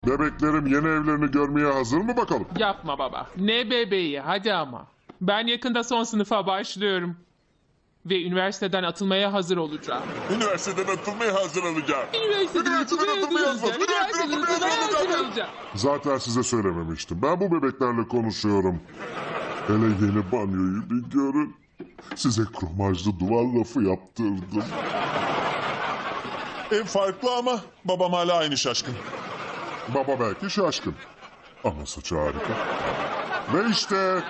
Bebeklerim yeni evlerini görmeye hazır mı bakalım? Yapma baba. Ne bebeği, hadi ama. Ben yakında son sınıfa başlıyorum. Ve üniversiteden atılmaya hazır olacağım. Üniversiteden atılmaya hazır olacağım. Üniversiteden atılmaya hazır olacağım. Zaten size söylememiştim. Ben bu bebeklerle konuşuyorum. Hele yeni banyoyu bir görün. Size kromajlı duvar lafı yaptırdım. Ev farklı ama babam hala aynı şaşkın. Baba belki şaşkın. Ama saçı harika. Ve işte...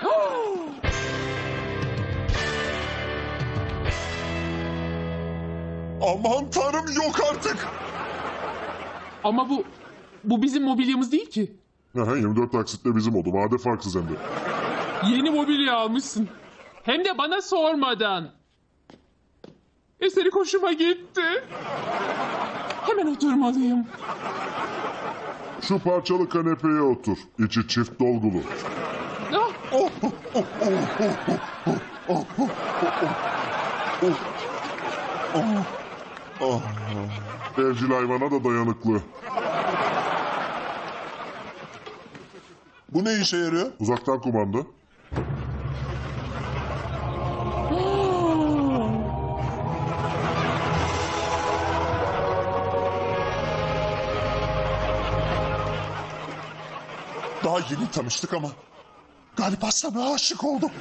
Aman tanrım, yok artık. Ama bu bizim mobilyamız değil ki. Aha, 24 taksitle bizim oldu. Vade farksız hem de. Yeni mobilya almışsın. Hem de bana sormadan. Üstelik hoşuma gitti. Hemen oturmalıyım. Şu parçalı kanepeye otur. İçi çift dolgulu. Ah, Evcil hayvana da dayanıklı. Bu ne işe yarıyor? Uzaktan kumanda. Daha yeni tanıştık ama galiba sana aşık oldum.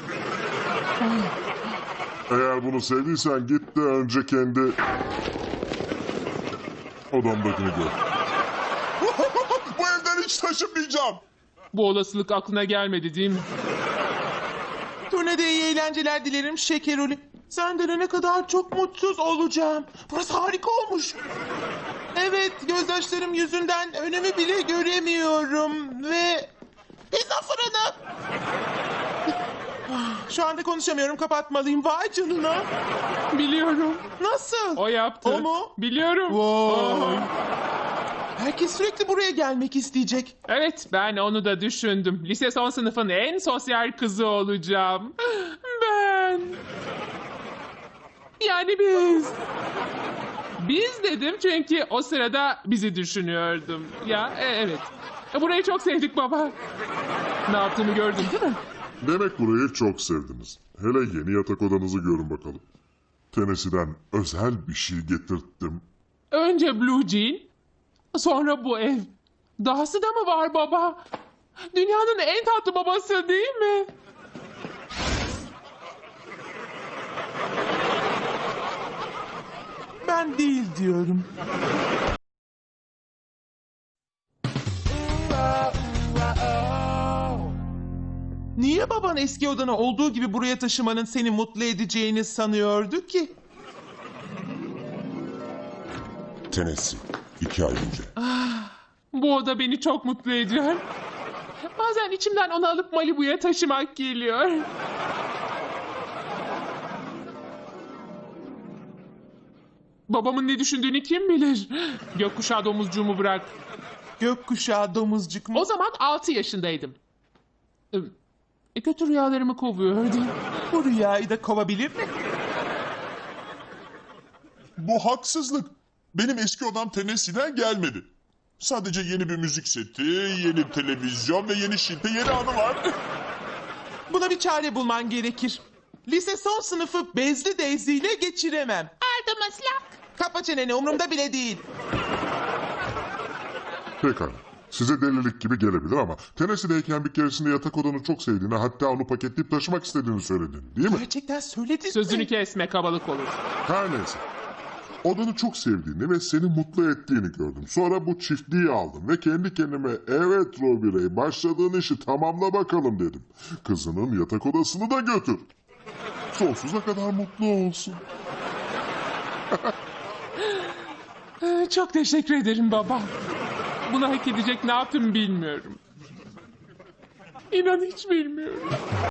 Eğer bunu sevdiysen git de önce kendi odamdakini gör. Bu evden hiç taşınmayacağım. bu olasılık aklına gelmedi değil mi? Turnede iyi eğlenceler dilerim Şekeroli. Sen dönene kadar çok mutsuz olacağım. Burası harika olmuş. Evet, gözyaşlarım yüzünden önümü bile göremiyorum ve... Pizza fırını! Şu anda konuşamıyorum, kapatmalıyım. Vay canına. Biliyorum. Nasıl? O yaptı. O mu? Biliyorum. Vay. Herkes sürekli buraya gelmek isteyecek. Evet, ben onu da düşündüm. Lise son sınıfın en sosyal kızı olacağım. Ben. Yani biz. Biz dedim çünkü o sırada bizi düşünüyordum. Ya evet. Burayı çok sevdik baba. Ne yaptığımı gördün değil mi? Demek burayı çok sevdiniz. Hele yeni yatak odanızı görün bakalım. Tennessee'den özel bir şey getirttim. Önce Blue Jean, sonra bu ev. Dahası da mı var baba? Dünyanın en tatlı babası değil mi? Ben değil diyorum. Niye baban eski odana olduğu gibi buraya taşımanın seni mutlu edeceğini sanıyordu ki? Tennessee, 2 ay önce. Bu oda beni çok mutlu ediyor. Bazen içimden onu alıp Malibu'ya taşımak geliyor. Babamın ne düşündüğünü kim bilir? Gökkuşağı domuzcuğumu bırak. Gökkuşağı domuzcuk mu? O zaman 6 yaşındaydım. Kötü rüyalarımı kovuyordu. Bu rüyayı da kovabilir mi? Bu haksızlık. Benim eski odam Tennessee'den gelmedi. Sadece yeni bir müzik seti, yeni televizyon ve yeni şilte, yeni anı var. Buna bir çare bulman gerekir. Lise son sınıfı bezli Daisy ile geçiremem. Aldım ıslak. Kapa çeneni, umurumda bile değil. Pekala. Size delilik gibi gelebilir ama Tennessee'deyken bir keresinde yatak odanı çok sevdiğini, hatta onu paketleyip taşımak istediğini söyledin, değil mi? Gerçekten söyledin Sözünü mi? kesme, kabalık olur. Her neyse. Odanı çok sevdiğini ve seni mutlu ettiğini gördüm. Sonra bu çiftliği aldım ve kendi kendime evet Robbie, başladığın işi tamamla bakalım dedim. Kızının yatak odasını da götür. Sonsuza kadar mutlu olsun. Çok teşekkür ederim baba. Bunu hak edecek ne yaptım bilmiyorum. İnan hiç bilmiyorum.